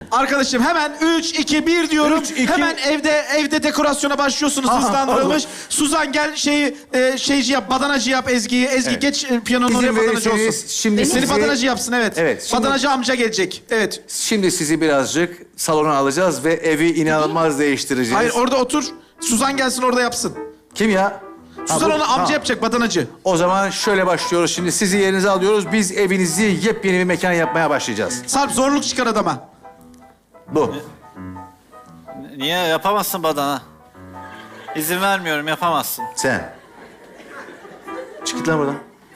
Arkadaşım hemen 3, 2, 1 diyorum. 3, 2... Hemen evde dekorasyona başlıyorsunuz hızlandırılmış. Suzan gel şeyci yap, badanacı yap Ezgi'yi. Ezgi geç piyanonun oraya badanacı olsun. Şimdi Seni badanacı yapsın evet. Evet. Şimdi, badanacı amca gelecek. Evet. Şimdi sizi birazcık salona alacağız ve evi inanılmaz değiştireceğiz. Hayır orada otur. Suzan gelsin orada yapsın. Kim ya? Suzan onu amca yapacak badanacı. O zaman şöyle başlıyoruz. Şimdi sizi yerinize alıyoruz. Biz evinizi yepyeni bir mekan yapmaya başlayacağız. Sarp zorluk çıkar adama. Bu. Niye yapamazsın badana? İzin vermiyorum, yapamazsın. Sen. Çık git lan buradan.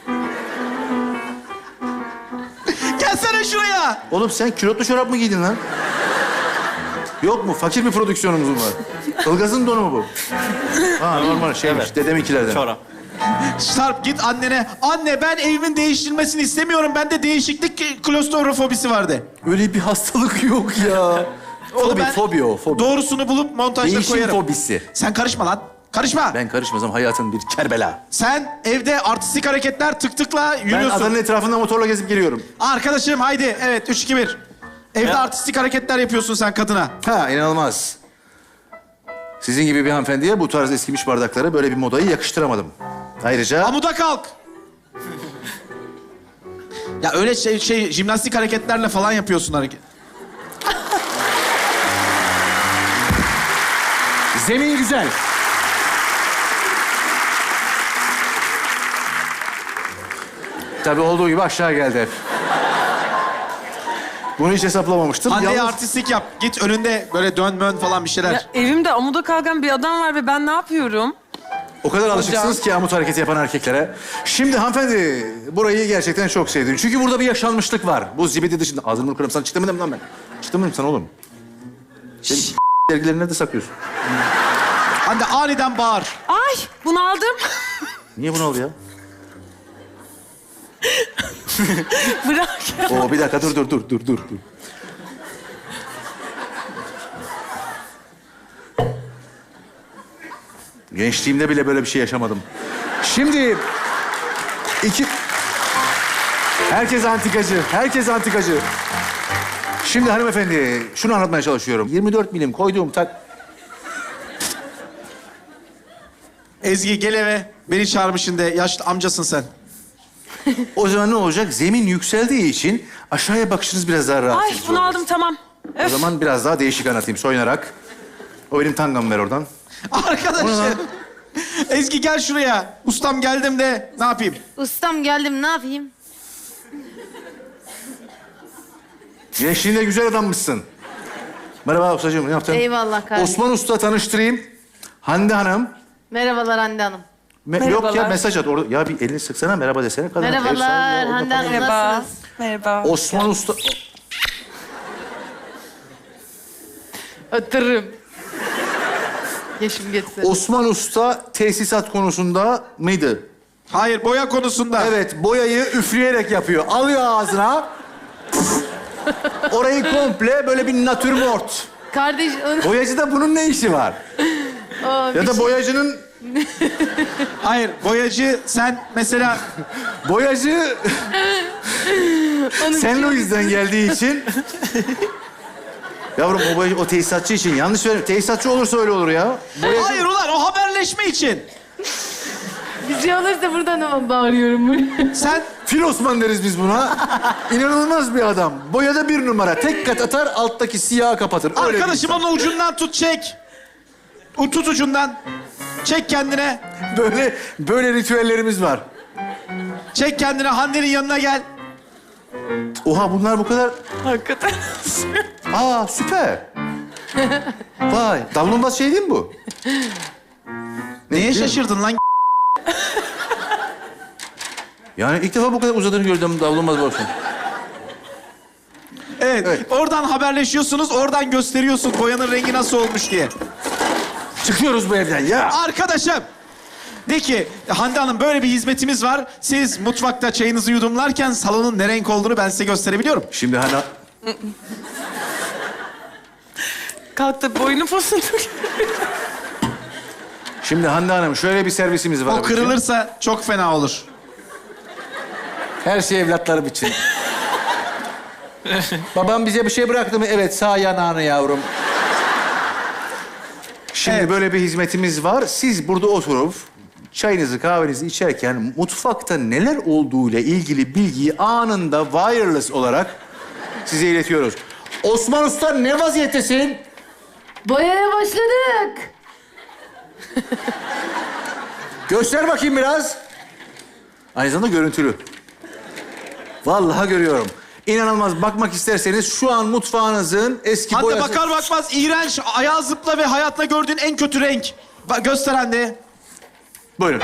Gelsene şuraya. Oğlum sen külotlu çorap mı giydin lan? Yok mu? Fakir bir prodüksiyonumuz mu var? Ilgaz'ın donu mu bu? Ha normal şeymiş. Evet. Dedeminkilerden. Çorap. Sarp git annene. Anne ben evimin değiştirilmesini istemiyorum. Bende değişiklik klostrofobisi vardı. Öyle bir hastalık yok ya. Oğlum ben Fobi o. Fobi. doğrusunu bulup montajda Değişim koyarım. fobisi. Sen karışma lan. Karışma. Ben karışmazam hayatın bir kerbela. Sen evde artistik hareketler tık tıkla Ben yürüyorsun. adanın etrafında motorla gezip geliyorum. Arkadaşım haydi. Evet 3, 2, 1. Evde Ya. artistik hareketler yapıyorsun sen kadına. Ha inanılmaz. Sizin gibi bir hanımefendiye bu tarz eskimiş bardaklara böyle bir modayı yakıştıramadım. Ayrıca... Amuda kalk. Ya öyle jimnastik hareketlerle falan yapıyorsun hareket. Zemin güzel. Tabii olduğu gibi aşağı geldi hep. Bunu hiç hesaplamamıştım. Hande'ye Yalnız- artistlik yap. Git önünde böyle dön falan bir şeyler. Ya evimde amuda kalkan bir adam var ve ben ne yapıyorum? O kadar alışıksınız ki amut hareketi yapan erkeklere. Şimdi hanımefendi burayı gerçekten çok sevdim. Çünkü burada bir yaşanmışlık var. Bu zibidi dışında. Ağzını bunu kırarım. Sana çıktı mı lan ben? Çıktı mı sana oğlum? Senin dergilerini nerede saklıyorsun? Hande aniden bağır. Ay bunu aldım. Niye bunu oldu ya? Bırak ya. Oo bir dakika dur. Gençliğimde bile böyle bir şey yaşamadım. Şimdi herkes antikacı. Şimdi hanımefendi şunu anlatmaya çalışıyorum. 24 milim koyduğum Ezgi gel eve. Beni çağırmışsın de. Yaşlı amcasın sen. O zaman ne olacak? Zemin yükseldiği için aşağıya bakışınız biraz daha rahat. Ay bunu aldım tamam. O zaman biraz daha değişik anlatayım soyunarak. O benim tangamı ver oradan. Arkadaşım. Ezgi gel şuraya. Ustam geldim de ne yapayım? Ustam geldim ne yapayım? Gençliğinde güzel adammışsın. Merhaba ustacığım, ne yaptın? Eyvallah kardeşim. Osman Usta tanıştırayım. Hande Hanım. Merhabalar Hande Hanım. Yok ya Merhabalar. mesaj at. Orada, ya bir elini sıksana merhaba desene. Kadına. El salla Merhabalar ya, orada Hande Hanım Merhaba. nasılsınız? Merhaba. Osman Usta... Ötürürüm. Yaşım geçse. Osman Usta tesisat konusunda mıydı? Hayır boya konusunda. Evet, boyayı üfleyerek yapıyor. Alıyor ağzına. Orayı komple böyle bir natürmort. Kardeş onu... Boyacıda bunun ne işi var? Ya da boyacının... Hayır boyacı sen mesela Boyacı... Sen o yüzden geldiği için... Yavrum o boyacı, o tesisatçı için. Yanlış söylüyorum. Tesisatçı olursa öyle olur ya. Boyacı... hayır ulan o haberleşme için. Bir şey olursa buradan ama bağırıyorum. Sen Fil Osman deriz biz buna. İnanılmaz bir adam. Boyada bir numara. Tek kat atar, alttaki siyahı kapatır. Öyle bir arkadaşım insan. onun ucundan tut çek. Tut ucundan. Çek kendine. Böyle ritüellerimiz var. Çek kendine Hande'nin yanına gel. Oha bunlar bu kadar... Hakikaten. Aa süper. Vay. Davlumbaz şey değil mi bu? Neye değil mi? şaşırdın lan? Yani ilk defa bu kadar uzadığını gördüm davlumbaz olsun. Evet. Oradan haberleşiyorsunuz, oradan gösteriyorsun boyanın rengi nasıl olmuş diye. Çıkıyoruz bu evden ya. Arkadaşım. De ki Hande Hanım böyle bir hizmetimiz var. Siz mutfakta çayınızı yudumlarken salonun ne renk olduğunu ben size gösterebiliyorum. Şimdi hani... Kalk da boynu posunu. Şimdi Hande Hanım şöyle bir servisimiz var. O kırılırsa çok fena olur. Her şey evlatlarım için. Babam bize bir şey bıraktı mı? Evet, sağ yanağını yavrum. Şimdi Evet. böyle bir hizmetimiz var. Siz burada oturup çayınızı, kahvenizi içerken mutfakta neler olduğuyla ilgili bilgiyi anında wireless olarak size iletiyoruz. Osman Usta ne vaziyettesin? Boyaya başladık. Göster bakayım biraz. Aynı zamanda görüntülü. Vallahi görüyorum. İnanılmaz. Bakmak isterseniz şu an mutfağınızın eski Hande boyası... bakar bakmaz iğrenç, ayağı zıpla ve hayatında gördüğün en kötü renk. Bak, göster Hande. Buyurun.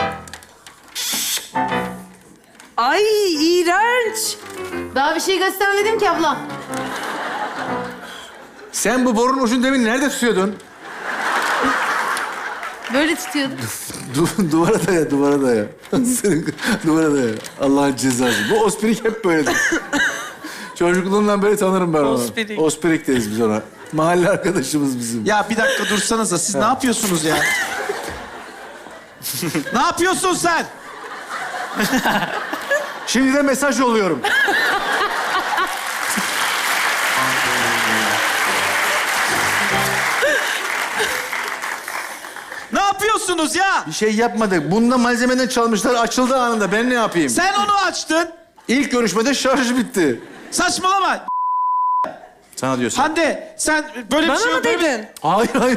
Ay iğrenç. Daha bir şey göstermedim ki abla. Sen bu borunun ucunu demin nerede tutuyordun? Böyle tutuyordum. Duvara daya, duvara daya. Duvara daya. Allah'ın cezası. Bu ospirik hep böyledir. Çocukluğumdan beri tanırım ben onu. Ospirik. Ospirik deriz biz ona. Mahalle arkadaşımız bizim. Ya bir dakika dursanıza, siz ne yapıyorsunuz ya? Ne yapıyorsun sen? Şimdi de mesaj yolluyorum. Ne yapıyorsunuz ya? Bir şey yapmadık. Bunda malzemeden çalmışlar. Açıldı anında. Ben ne yapayım? Sen onu açtın. İlk görüşmede şarj bitti. Saçmalama. Sana diyorsun. Hande sen böyle bir Bana şey... mı dedin? Hayır, hayır.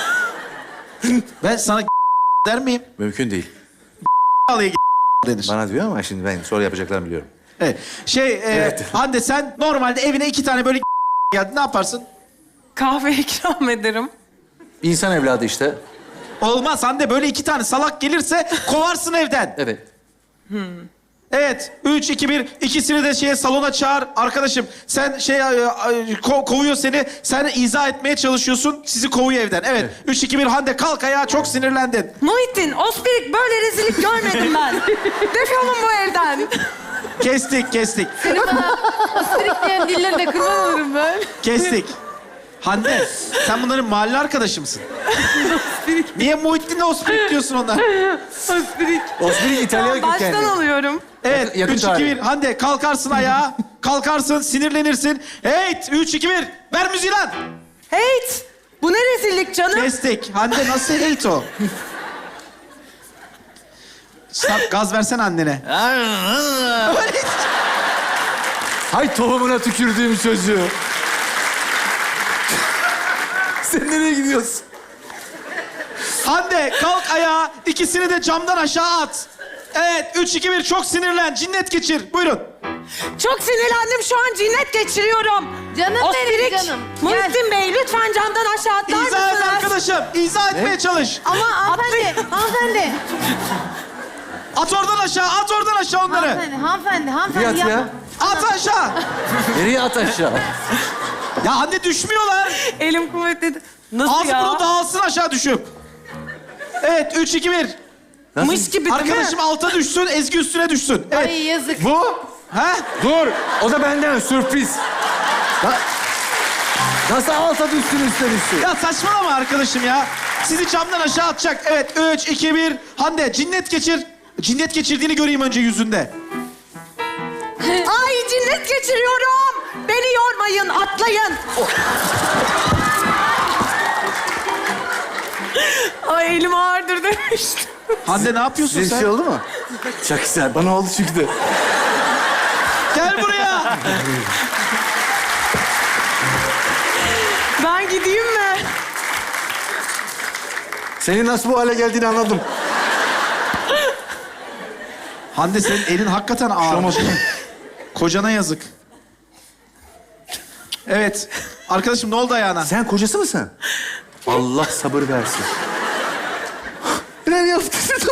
Ben sana der miyim? Mümkün değil. Alayı denir. Bana diyor ama şimdi ben sonra yapacaklarını biliyorum. Evet. Evet. Hande sen normalde evine 2 tane böyle geldi. Ne yaparsın? Kahve ikram ederim. İnsan evladı işte. Olmaz Hande, böyle 2 tane salak gelirse kovarsın evden. Evet. Evet. 3, 2, 1. İkisini de salona çağır. Arkadaşım sen kovuyor seni. Sen izah etmeye çalışıyorsun. Sizi kovuyor evden. Evet. 3, 2, 1. Hande kalk ayağa, çok sinirlendin. Muhittin, ospirik böyle rezillik görmedim ben. Defolun bu evden. Kestik. Senin bana ospirik diyen dillerine kurban olurum ben. Kestik. Hande sen bunların mahalle arkadaşı mısın? Niye Muhittin'le Ospirik diyorsun onlar? Ospirik. Ospirik İtalyan Tamam, kökenli. baştan alıyorum. Evet. Yakın 3, 2, tarih. 1. Hande kalkarsın ayağa. Kalkarsın, sinirlenirsin. Evet. 3, 2, 1. Ver müziği lan. Heyt! Bu ne rezillik canım? Kestik. Hande nasıl hate o? Sarp gaz versen annene. Öyle. Hay tohumuna tükürdüğüm çocuğu. Sen nereye gidiyorsun? Hande kalk ayağa. İkisini de camdan aşağı at. Evet. 3, 2, 1. Çok sinirlen. Cinnet geçir. Buyurun. Çok sinirlendim, şu an cinnet geçiriyorum. Canım benim Ospirik, canım. Muhittin Bey lütfen camdan aşağı atlar İzah et mısınız? arkadaşım. İzah etmeye çalış. Ama hanımefendi. At oradan aşağı onları. Hanımefendi Fiyat yapma. ya. At aşağı. Nereye at aşağı? Ya Hande düşmüyorlar. Elim kuvvetliydi. Nasıl Az ya? bunu dağılsın aşağı düşüp. Evet. 3, 2, 1. Mış gibi değil mi? Arkadaşım alta düşsün, Ezgi üstüne düşsün. Evet. Ay yazık. Bu? Ha? Dur. O da benden sürpriz. Nasıl alta düşsün üstten üstü? Ya saçmalama arkadaşım ya. Sizi camdan aşağı atacak. Evet. 3, 2, 1. Hande cinnet geçir. Cinnet geçirdiğini göreyim önce yüzünde. Ay cinnet geçiriyorum. Beni yormayın, atlayın. Ay elim ağırdır demiştim. Hande ne yapıyorsun Size bir sen? şey oldu mu? Çok güzel. Bana oldu çünkü de. Gel buraya. Ben gideyim mi? Senin nasıl bu hale geldiğini anladım. Hande senin elin hakikaten ağır. Kocana yazık. Evet. Arkadaşım ne oldu ayağına? Sen kocası mısın? Allah sabır versin. Neler yaptın?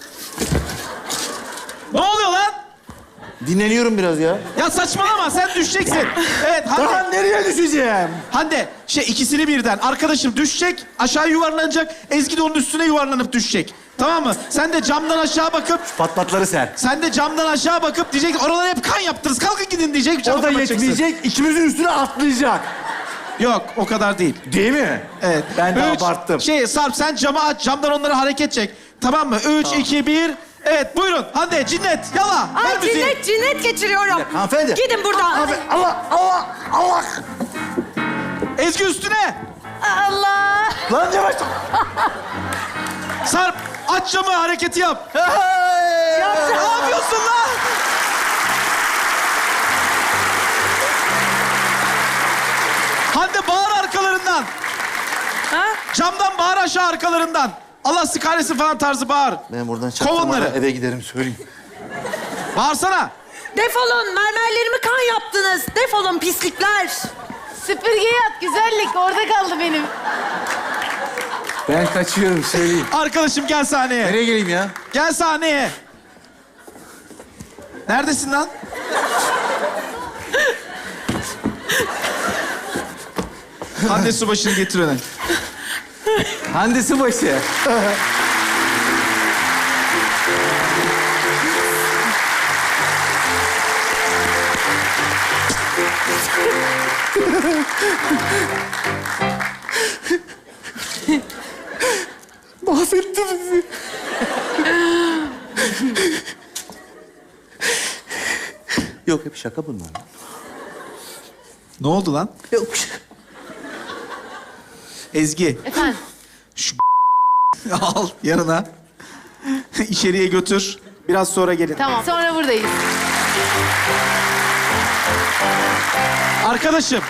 Ne oluyor lan? Dinleniyorum biraz ya. Ya saçmalama, sen düşeceksin. Evet Hande. Tamam, nereye düşeceğim? Hande ikisini birden. Arkadaşım düşecek, aşağı yuvarlanacak. Ezgi de onun üstüne yuvarlanıp düşecek. Tamam mı? Sen de camdan aşağı bakıp... Patlatları sen. Sen de camdan aşağı bakıp diyecek ki oralara hep kan yaptınız. Kalkın gidin diyecek. camı O da kapatacaksın. yetmeyecek, ikimizin üstüne atlayacak. Yok o kadar değil. Değil mi? Evet. Ben de 3, abarttım. Sarp sen camı aç. Camdan onları hareket çek. Tamam mı? 3, 2, 1. Evet buyurun Hande cinnet yala. Ver Ay müziği. cinnet geçiriyorum. Hanımefendi. Gidin buradan. Allah. Ezgi üstüne. Allah. Lan yavaş. Sarp aç camı hareketi yap. Ne yapıyorsun lan? Hande bağır arkalarından. Ha? Camdan bağır aşağı arkalarından. Allah sizi kahretsin falan tarzı bağır. Ben buradan Kov çaktırmadan onları. eve giderim söyleyeyim. Bağırsana. Defolun. Mermerlerimi kan yaptınız. Defolun pislikler. Süpürgeye at güzellik. Orada kaldı benim. Ben kaçıyorum söyleyeyim. Arkadaşım gel sahneye. Nereye geleyim ya? Gel sahneye. Neredesin lan? Hande Subaşı'nı getir öne. Hande Subaşı. Mahvetti bizi. Yok hep şaka bunlar. Ne oldu lan? Yok. Ezgi. Efendim. Al yanına. İçeriye götür. Biraz sonra gelin. Tamam. Sonra buradayız. Arkadaşım.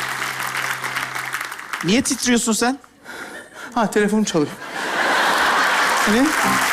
Niye titriyorsun sen? Ha telefonum çalıyor. Ne?